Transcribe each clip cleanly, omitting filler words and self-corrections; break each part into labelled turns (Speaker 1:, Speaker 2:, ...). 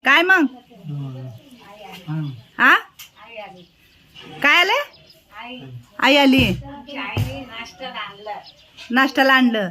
Speaker 1: काय मग हा काय आले आई आली नाश्त्याला आणलं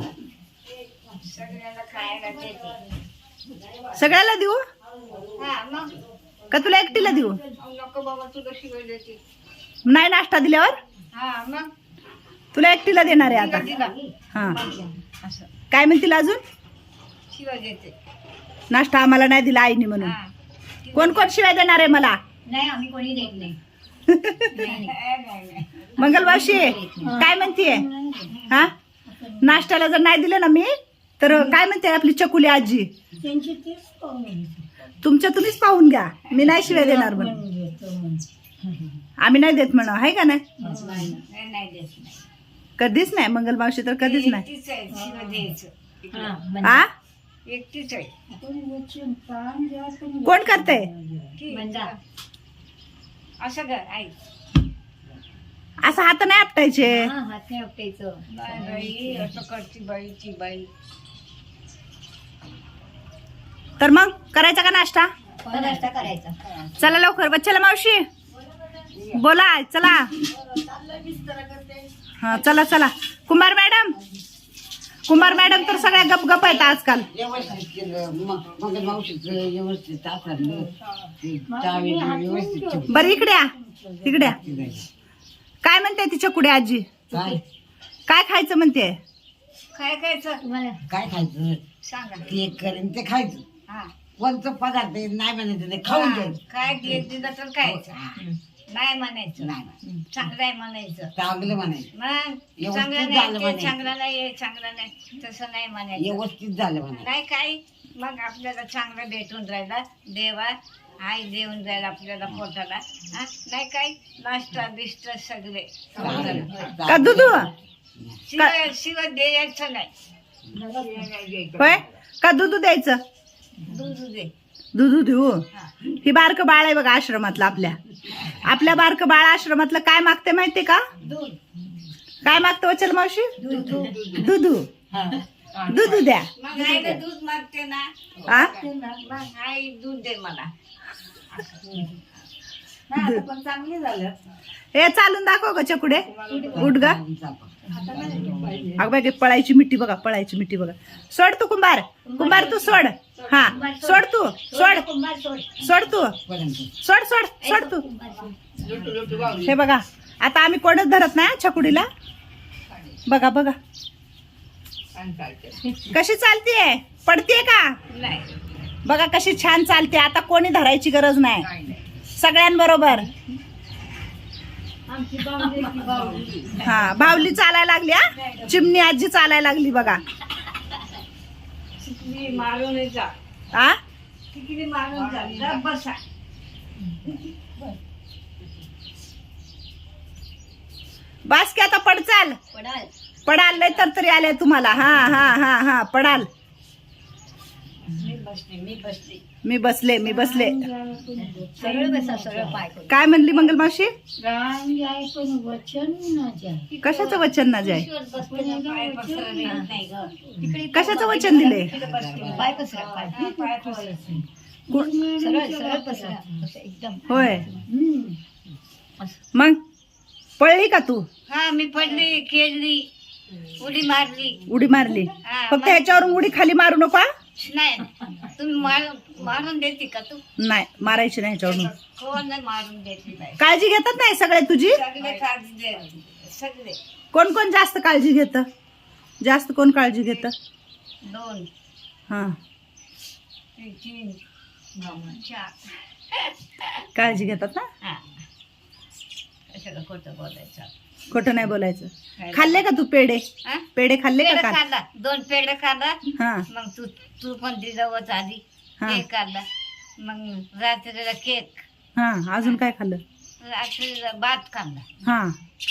Speaker 1: सगळ्याला देऊ का तुला एकटीला देऊ नाही नाश्ता दिल्यावर तुला एकटीला देणार आहे आता हा काय म्हणतील अजून नाश्ता आम्हाला नाही दिला आईने म्हणून कोण कोण शिवाय देणार आहे मला
Speaker 2: नाही आम्ही कोणी देत नाही
Speaker 1: मंगलवाशी काय म्हणतीये हा नाश्त्याला जर नाही दिलं ना मी तर काय म्हणते आपली चकुली आजी तुमच्या तुम्हीच पाहून घ्या मी नाही शिवाय देणार म्हणून आम्ही नाही देत म्हणा आहे का नाही कधीच नाही मंगलमावशी तर कधीच नाही हा
Speaker 2: एकटीच आहे
Speaker 1: कोण करते
Speaker 2: असं कर आई
Speaker 1: असं हात नाही आपटायचे
Speaker 2: हात नाही आपटायचं बाई असं करती बाईची बाई
Speaker 1: तर मग करायचा का नाश्ता
Speaker 2: नाश्ता करायचा
Speaker 1: चला लवकर बच्चाला मावशी बोला चला हा चला चला कुंभार मॅडम तर सगळ्या गपगप आहेत आजकाल बर इकडे काय म्हणते तिच्या कुडे आजी काय खायचं म्हणते
Speaker 2: काय खायचं
Speaker 3: काय खायचं
Speaker 2: सांगा
Speaker 3: केक करेन ते खायचं
Speaker 2: हा
Speaker 3: कोणतं पदार्थ नाही म्हणायचं ते खाऊन घ्यायचं
Speaker 2: काय केक दिलं तर खायचं नाही म्हणायचं
Speaker 3: नाही
Speaker 2: चांगलं आहे म्हणायचं
Speaker 3: चांगलं म्हणायचं
Speaker 2: मग
Speaker 3: व्यवस्थित
Speaker 2: चांगलं
Speaker 3: झालं
Speaker 2: नाही ते
Speaker 3: म्हणायचं.
Speaker 2: चांगलं नाही चांगलं नाही तसं नाही म्हणायचं
Speaker 3: व्यवस्थित झालं म्हणायचं
Speaker 2: नाही काय मग आपल्याला चांगलं भेटून राहिला देवा आई देऊन जाईल आपल्याला पोटाला हा नाही काय नाश्ता बिष्ट सगळे
Speaker 1: का दुधू
Speaker 2: शिवाय द्यायचं नाही
Speaker 1: होय का दूध द्यायचं
Speaker 2: दूध दे
Speaker 1: दूध देऊ ही बारक बाळ आहे बघा आश्रमातलं आपल्या बारक बाळ आश्रमातलं काय मागते माहितीये का
Speaker 2: दूध
Speaker 1: काय मागतं वचल मावशी दूध द्या
Speaker 2: मग आईला दूध मागते ना
Speaker 1: हा
Speaker 2: मग आई दूध दे मला पण चांगले झालं
Speaker 1: हे चालून दाखव ग चकुडे उठ ग अग बाई पळायची मिठी बघा सोड तू कुंभार तू सोड हा सोड तू सोड तू हे बघा आता आम्ही कोणच धरत नाही छकुडीला बघा कशी चालतीये पडतीये का
Speaker 2: नाही
Speaker 1: बघा कशी छान चालते आता कोणी धरायची गरज नाही सगळ्यांबरोबर हा बावली चालायला लागली हा चिमणी आजी चालायला लागली बघा
Speaker 2: मारून जा
Speaker 1: हा
Speaker 2: तिकडे मारून जा बसा
Speaker 1: बस की आता पडचाल पडाल लय तर तरी आले तुम्हाला हा पडाल मी बसले
Speaker 2: सरळ बसा सरळ पाय
Speaker 1: काय म्हणली मंगलमावशी
Speaker 2: पण वचन न
Speaker 1: कशाचं वचन ना जाय
Speaker 2: पाय
Speaker 1: कशाचं वचन दिले
Speaker 2: पाय पसरा पाय सरळ सरळ पसरा एकदम
Speaker 1: होय मग पळली का तू
Speaker 2: हा मी पडली खेळली उडी
Speaker 1: मारली
Speaker 2: हा,
Speaker 1: फक्त ह्याच्यावरून उडी खाली मारू नको हा?
Speaker 2: नाही तुम्ही मारून देते का तू
Speaker 1: नाही मारायची नाही ह्याच्यावरून
Speaker 2: कोण नाही मारून देते नाही
Speaker 1: काळजी घेतात नाही सगळे तुझी
Speaker 2: सगळे काळजी दे सगळे
Speaker 1: कोण कोण जास्त काळजी घेत जास्त कोण काळजी घेत
Speaker 2: 2
Speaker 1: हा
Speaker 2: 3 4
Speaker 1: काळजी घेतात ना
Speaker 2: हा कशाला खोटं बोलायचं
Speaker 1: खोटं नाही बोलायचं खाल्ले का तू पेढे
Speaker 2: हा?
Speaker 1: खाल्ले का
Speaker 2: पेढे
Speaker 1: काल?
Speaker 2: खाल्ला 2 पेढे खाल्ला
Speaker 1: हा
Speaker 2: मग तू पण दिलं आधी
Speaker 1: हा.
Speaker 2: केक खाल्ला मग रात्रीला केक
Speaker 1: हा अजून काय खाल्लं
Speaker 2: रात्रीला भात खाल्ला
Speaker 1: हा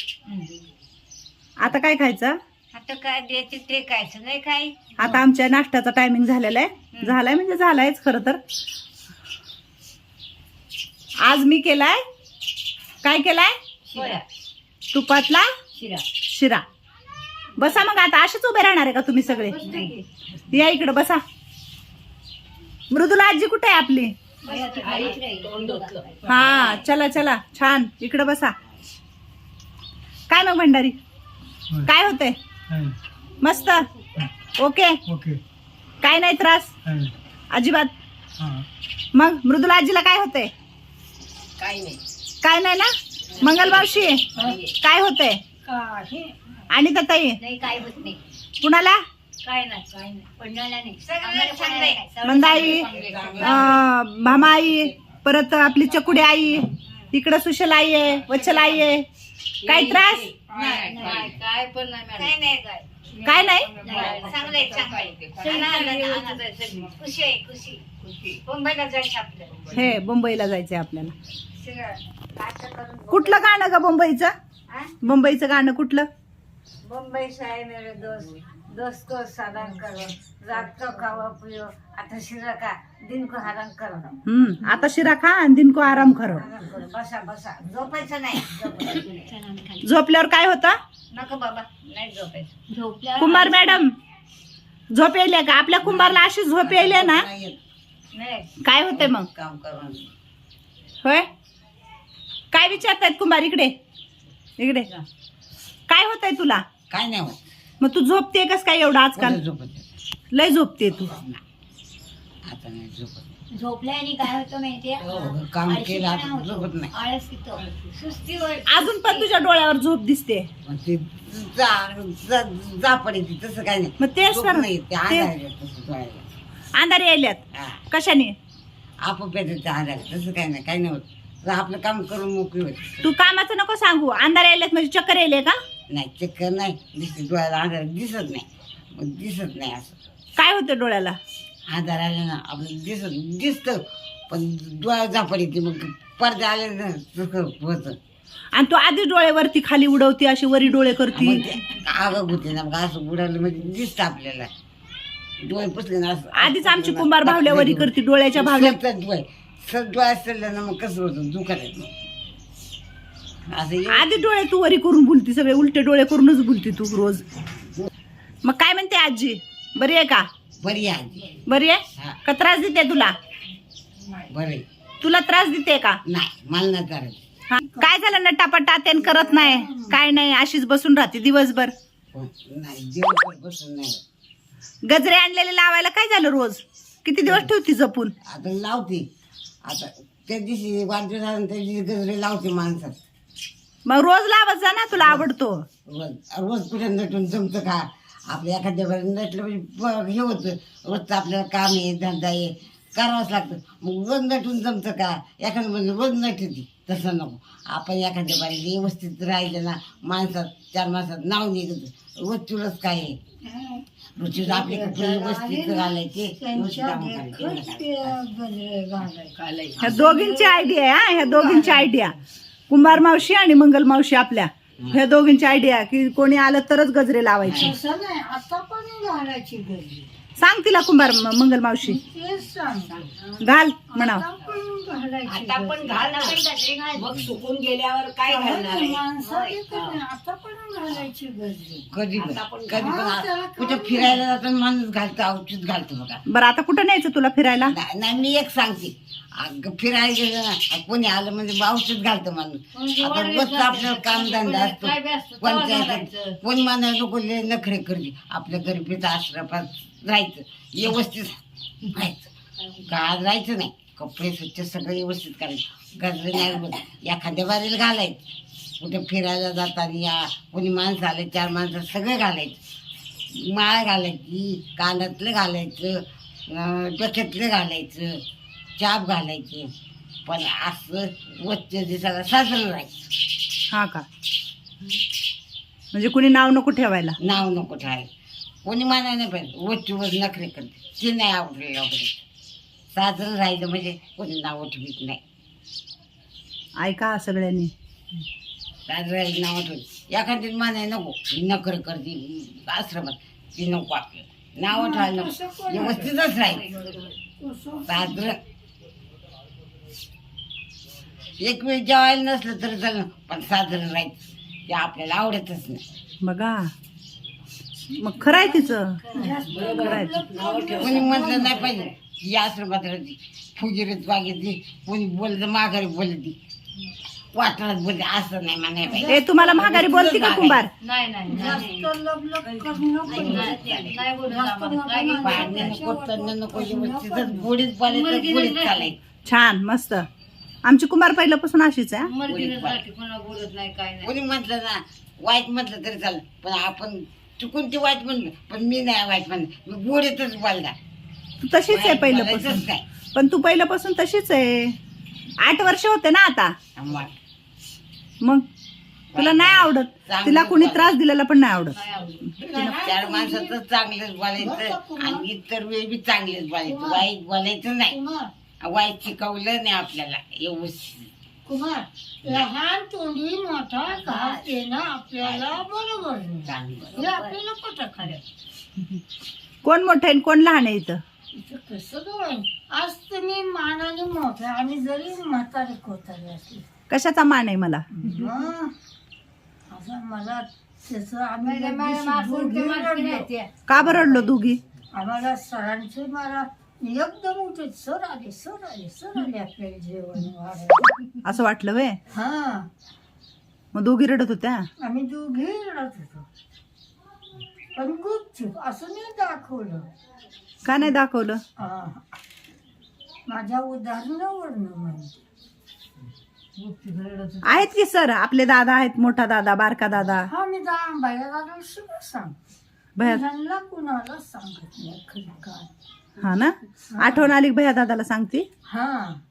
Speaker 1: आता काय खायचं
Speaker 2: आता काय द्यायचे ते खायचं नाही काय
Speaker 1: आता आमच्या नाश्त्याचा टायमिंग झालेला आहे झालाय म्हणजे झालायच खरं तर आज मी केलाय काय केलाय
Speaker 2: शिरा
Speaker 1: तुपातला शिरा बसा मग आता असेच उभे राहणार आहे का तुम्ही सगळे या इकडे बसा मृदुला आजी कुठे आहे आपली? हा चला चला छान इकडे बसा. काय मग भंडारी काय होतंय? मस्त ओके
Speaker 4: ओके
Speaker 1: काय नाही त्रास अजिबात. मग मृदुला आजीला काय होतंय? काय नाही ना. मंगल मावशी काय होतंय? आणि ताई
Speaker 2: नाही काय होत नाही,
Speaker 1: कुणाला?
Speaker 2: काय नाही पडणारा नाही, सगळं चांगलंय.
Speaker 1: मंदाई भामाई परत आपली चकुडी आई इकडं सुशल आई आहे वचल आई आहे. काय त्रास?
Speaker 2: काय पण नाही
Speaker 1: काय नाही.
Speaker 2: चांगलंय खुशी आहे खुशी. मुंबईला जायचं आपल्याला,
Speaker 1: हे मुंबईला जायचंय आपल्याला.
Speaker 2: सगळं असं करून
Speaker 1: कुठलं गाणं ग मुंबईचं?
Speaker 2: हा?
Speaker 1: मुंबईचं गाणं कुठलं?
Speaker 2: मुंबई से आए मेरे दोस्त, दोस्त को साधन करो, रात को खाओ पियो, आता शिरा का दिन को हरण करो.
Speaker 1: आता शिरा खा आणि दिन को आराम करो.
Speaker 2: आराम करो, बसा झोपायचं नाही, झोपायचं.
Speaker 1: झोपल्यावर काय होतं?
Speaker 2: नको बाबा नाही झोपायचं. झोपल्यावर
Speaker 1: कुंभार मॅडम झोप यायले का? आपल्या कुंभारला अशी झोप यायले ना
Speaker 2: नाही
Speaker 1: काय होतंय मग?
Speaker 3: काम करून
Speaker 1: होय काय विचारतायत कुंभार? इकडे काय होतंय तुला?
Speaker 3: काय नाही होत.
Speaker 1: मग तू झोपते कस काय एवढं आजकाल?
Speaker 3: कोणी झोपत नाही.
Speaker 1: लय झोपते तू.
Speaker 3: आता नाही झोपत.
Speaker 2: झोपल्याने काय होतं माहितीये?
Speaker 3: काम केलं आता झोपत नाही.
Speaker 2: आळस येतो, सुस्तीवर.
Speaker 1: अजून पण तुझ्या डोळ्यावर झोप दिसते.
Speaker 3: मग ते जा पडे तसं काय नाही.
Speaker 1: मग तेच
Speaker 3: झोप
Speaker 1: तर
Speaker 3: नाही ते
Speaker 1: ते
Speaker 3: आधार तसं डोळ्याला.
Speaker 1: अंधारे यायल्यात
Speaker 3: हा.
Speaker 1: कशाने?
Speaker 3: आपोआप येतं ते आधार तसं काय नाही. काय नाही होत. तर आपलं काम करून मोकळी होते.
Speaker 1: तू कामाचं नको सांगू. अंधारे यायल्यात म्हणजे चक्कर यायले का?
Speaker 3: नाही चक्कर नाही दिसते डोळ्याला आधार दिसत नाही. मग दिसत नाही असं
Speaker 1: काय होतं डोळ्याला?
Speaker 3: आधार आले ना आपलं दिसतं पण डोळ्या झापड येते. मग पडदे आले ना तसं होतं.
Speaker 1: आणि तू आधी डोळे वरती खाली उडवती अशी वरी डोळे करती.
Speaker 3: मग ते आग होते ना. मग असं बुडालं म्हणजे दिसतं आपल्याला. डोळे पुसले ना असं
Speaker 1: आधीच आमची कुंभार भावल्यावरी करती डोळ्याच्या भावल्या.
Speaker 3: डोळ्यात सडलं ना मग कसं होतं दुखायला असं.
Speaker 1: आधी डोळे तू वरी करून बोलती, सगळे उलटे डोळे करूनच बोलती तू रोज. मग काय म्हणते आजी? बरी आहे का?
Speaker 3: बरी आहे.
Speaker 1: बरी आहे
Speaker 3: हा.
Speaker 1: का त्रास देते तुला?
Speaker 3: बरे
Speaker 1: तुला त्रास देते का?
Speaker 3: नाही मला नाही करायचं.
Speaker 1: हा. काय झालं नटापटा तेन करत नाही काय नाही अशीच बसून राहते दिवसभर.
Speaker 3: नाही दिवसभर बसून नाही.
Speaker 1: गजरे आणलेले लावायला काय झालं? रोज किती दिवस ठेवती जपून?
Speaker 3: आता लावते. आता त्या दिवशी वाढदिवस झाला त्या दिवशी गजरे लावते माणसात.
Speaker 1: मग रोज लावत जा ना, तुला आवडतो.
Speaker 3: रोज कुठे नटून जमतं का? आपल्या एखाद्या वेळेला नटलं म्हणजे हे होतं. रोजचं आपल्याला काम आहे धंदा आहे करावंच लागतं. मग रोज नटून जमतं का? एखाद्या म्हणजे रोज नटती तसं नको. आपण एखाद्या बारी व्यवस्थित राहिलं ना माणसात 4 माणसात नाव निघत. रोज तुलाच काय आहे रोजची आपले कपडे व्यवस्थित घालायचे.
Speaker 1: ह्या दोघींची आयडिया आहे. ह्या दोघींची आयडिया कुंभार मावशी आणि मंगल मावशी आपल्या ह्या दोघींची आयडिया की कोणी आलं तरच गजरे लावायचे.
Speaker 2: आता पण घालायची गरज.
Speaker 1: सांग तिला कुंभार मंगल मावशी घाल म्हणाव.
Speaker 2: आता पण घाल मग सुकून गेल्यावर काय घालणार? आता पण घालायची गरज.
Speaker 3: कधी पण कुठे फिरायला जाताना माणूस घालतो औषध घालतो बघा.
Speaker 1: बरं आता कुठं न्यायचं तुला फिरायला?
Speaker 3: नाही मी एक सांगते. फिरायला गेलं ना कोणी आलं म्हणजे औषध घालतं माणूस. आता रोजचं आपल्याला कामधंदा असतो. कोणी मानायला नको लय नखरे करते. आपल्या गरीबीचं आश्रमात राहायचं व्यवस्थित राहायचं. गाळ राहायचं नाही. कपडे स्वच्छ सगळं व्यवस्थित करायचं. गजरे नाही एखाद्या बारीला घालायचं. कुठे फिरायला जाताना या कोणी माणसं आले 4 माणसं सगळं घालायचं. माळ घालायची कानातलं घालायचं डोक्यातलं घालायचं चाप घालायचे. पण असं वच्च दिसायला साजरं राहायचं.
Speaker 1: हा का? म्हणजे कुणी नाव नको ठेवायला.
Speaker 3: नाव नको ठेवायला. कोणी मानाय नाही पाहिजे. वच्चीवर नखरे करते ते नाही आवडलेलं वगैरे. साजरं राहिलं म्हणजे कोणी नाव ठेवीत नाही.
Speaker 1: ऐका सगळ्यांनी
Speaker 3: साजरं राहिलं नाव ठेवत एखादी मानाय नको. नखरे करते आश्रमात ती नको. आपलं नाव ठेवायला नको. व्यवस्थितच राहील साजरं. एक वेळ जेवायला नसलं तरी चालेल पण साजरं राहायचं ते आपल्याला आवडतच नाही.
Speaker 1: बघा मग खरं आहे तिचं. खरं आहे.
Speaker 3: कोणी म्हटलं नाही पाहिजे ही आश्रमात राहते फुगिरीत वागितली कोणी बोलत माघारी बोलती वाटणार बोलते असं नाही म्हणाय
Speaker 1: ए तुम्हाला माघारी बोलते का कुंभार?
Speaker 2: नाही नाही नाही बोलत आम्हाला. काय घेऊन
Speaker 3: पाणी नको तण नको तिथं गोडीत बोलायचं गोडीत चालायचं
Speaker 1: छान मस्त. आमची कुंभार पहिल्यापासून अशीच आहे.
Speaker 2: मर्जीनुसार कोणाला बोलत नाही काय नाही.
Speaker 3: कोणी म्हटलं ना वाईट म्हटलं तरी चालेल पण आपण चुकून ते वाईट म्हणलं पण मी नाही वाईट म्हणलं मी गोडीतच बोलला
Speaker 1: तू तशीच आहे पहिल्यापासून.
Speaker 3: बोलायचंच काय
Speaker 1: पण तू पहिल्यापासून तशीच आहे. 8 वर्ष होते ना आता.
Speaker 3: आम्हाला
Speaker 1: मग तुला नाही आवडत. तिला कोणी त्रास दिलेला पण नाही आवडत.
Speaker 2: काय आवडत.
Speaker 3: 4 माणसाचं चांगलंच बोलायचं आणि इतर वेळी बी चांगलंच बोलायचं वाईट बोलायचं नाही वाईट शिकवलं नाही आपल्याला व्यवस्थित.
Speaker 4: कुमार लहान तोंडी मोठा घास येणं आपल्याला बरोबर नाही.
Speaker 3: चांगलं
Speaker 4: हे आपल्याला पटत खरं.
Speaker 1: कोण मोठं आहे आणि कोण लहान आहे इथं?
Speaker 4: इथं कसं दोन आज तुम्ही मानाने मोठा आणि जरी म्हातारे कोतारे असले
Speaker 1: कशाचा मान आहे मला?
Speaker 4: हं. असं मला त्याचं आम्ही
Speaker 2: मला- मला
Speaker 4: लगेच
Speaker 2: मासूम
Speaker 4: दोघी
Speaker 2: ते माणसं नाही
Speaker 4: रडलो.
Speaker 2: ते.
Speaker 1: का बरं रडलो दोघी?
Speaker 4: आम्हाला सरांचे मला एकदम उठे सर आले आपल्याला जेवण वाढायला.
Speaker 1: असं वाटलं वे.
Speaker 4: हा
Speaker 1: मग दोघी रडत होत्या.
Speaker 4: आम्ही दोघे रडत होतो पण गुपचूप असं नाही दाखवलं.
Speaker 1: का नाही दाखवलं?
Speaker 4: माझ्या उदाहरणावरनं म्हणते
Speaker 1: आहेत की सर आपले दादा आहेत. मोठा दादा बारका दादा.
Speaker 4: हा मी बाया दादा सगळं सांग
Speaker 1: भया
Speaker 4: ह्यांना कुणाला सांगत नाही खरं काय.
Speaker 1: हा ना. आठवण आली भया दादाला सांगते.
Speaker 4: हा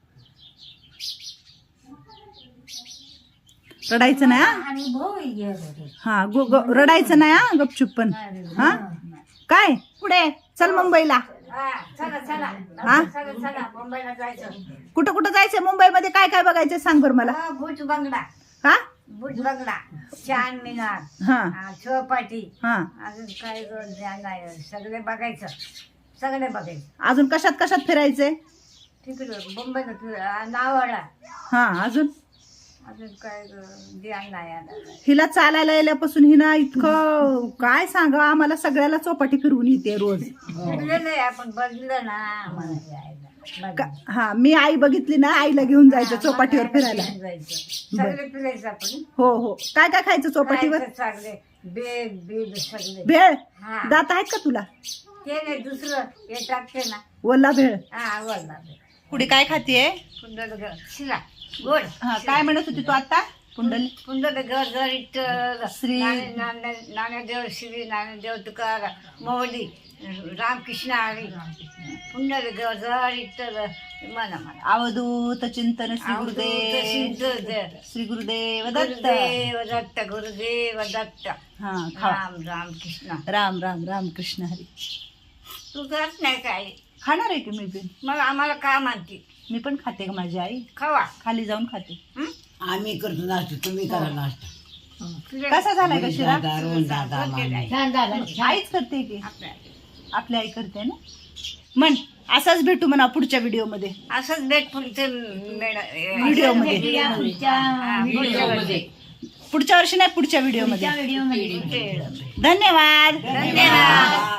Speaker 1: रडायचं नाही हा.
Speaker 4: आणि भाऊ ये रे.
Speaker 1: हा रडायचं नाही हा गपचूप पण. हा काय पुढे चल मुंबईला.
Speaker 2: हा, चला चला
Speaker 1: हा
Speaker 2: चला चला मुंबईला जायचं.
Speaker 1: कुठं कुठं जायचं? मुंबईमध्ये काय काय बघायचं सांग बरं मला.
Speaker 2: भुज बंगला
Speaker 1: हा
Speaker 2: भुज बंगला चांद मिनार
Speaker 1: हा
Speaker 2: चौपाटी
Speaker 1: हा.
Speaker 2: अजून काय नाही सगळे बघायचं सगळे बघायचं.
Speaker 1: अजून कशात कशात फिरायचंय?
Speaker 2: तिकडं मुंबईला नावाडा
Speaker 1: हा अजून
Speaker 2: अजून काय ध्यान नाही आलं.
Speaker 1: हिला चालायला येल्यापासून हिना इतकं काय सांगा आम्हाला सगळ्याला चौपाटी फिरवून येते रोज.
Speaker 2: फिरलं नाही आपण बघितलं ना आम्हाला जायला.
Speaker 1: हा मी आई बघितली ना आईला घेऊन जायचं चौपाटीवर फिरायला.
Speaker 2: सगळे फिरायचं आपण.
Speaker 1: हो हो. काय काय खायचं चौपाटीवर?
Speaker 2: खायचं सगळे बेग बीग सगळे.
Speaker 1: भेळ
Speaker 2: हा
Speaker 1: दात आहेत का तुला?
Speaker 2: ते नाही दुसरं हे टाकते ना.
Speaker 1: वल्ला भेळ.
Speaker 2: हा बोलला
Speaker 1: पुढे काय खातीये?
Speaker 2: कुंडल शिला गोड.
Speaker 1: हा काय म्हणत होती तू आता? कुंडली
Speaker 2: कुंडल गरगरीत
Speaker 1: श्री-
Speaker 2: नाणेदेव श्री नाणेदेव तुकाराम मोदी रामकृष्ण हरी पुंडल गरगरीत म्हणा म्हणा
Speaker 1: अवधूत चिंतन श्री गुरुदेव श्री गुरुदेव दत्त.
Speaker 2: गुरुदेव दत्त गुरुदेव दत्त.
Speaker 1: हा खा.
Speaker 2: राम राम कृष्ण.
Speaker 1: राम राम राम कृष्ण हरी.
Speaker 2: तू करत नाही काय
Speaker 1: खाणार आहे की मी पण?
Speaker 2: मग आम्हाला का म्हणते?
Speaker 1: मी पण खाते का माझी आई?
Speaker 2: खावा.
Speaker 1: खाली जाऊन खाते.
Speaker 2: हं?
Speaker 3: आम्ही करतो नाश्ता तुम्ही करा नाश्ता
Speaker 2: तुझ्या-
Speaker 1: कसा झालाय का शिरा?
Speaker 3: दादा, रोहन दादा, मामी.
Speaker 2: छान झालं.
Speaker 1: आईच करते की
Speaker 2: आपल्या
Speaker 1: आपली आई करते ना. म्हण असंच भेटू म्हणा पुढच्या व्हिडिओ मध्ये.
Speaker 2: असंच भेट पुढचं
Speaker 1: व्हिडिओ मध्ये.
Speaker 2: व्हिडिओ
Speaker 1: पुढच्या वर्षी नाही पुढच्या व्हिडिओ मध्ये.
Speaker 2: मध्ये
Speaker 1: धन्यवाद.
Speaker 2: धन्यवाद.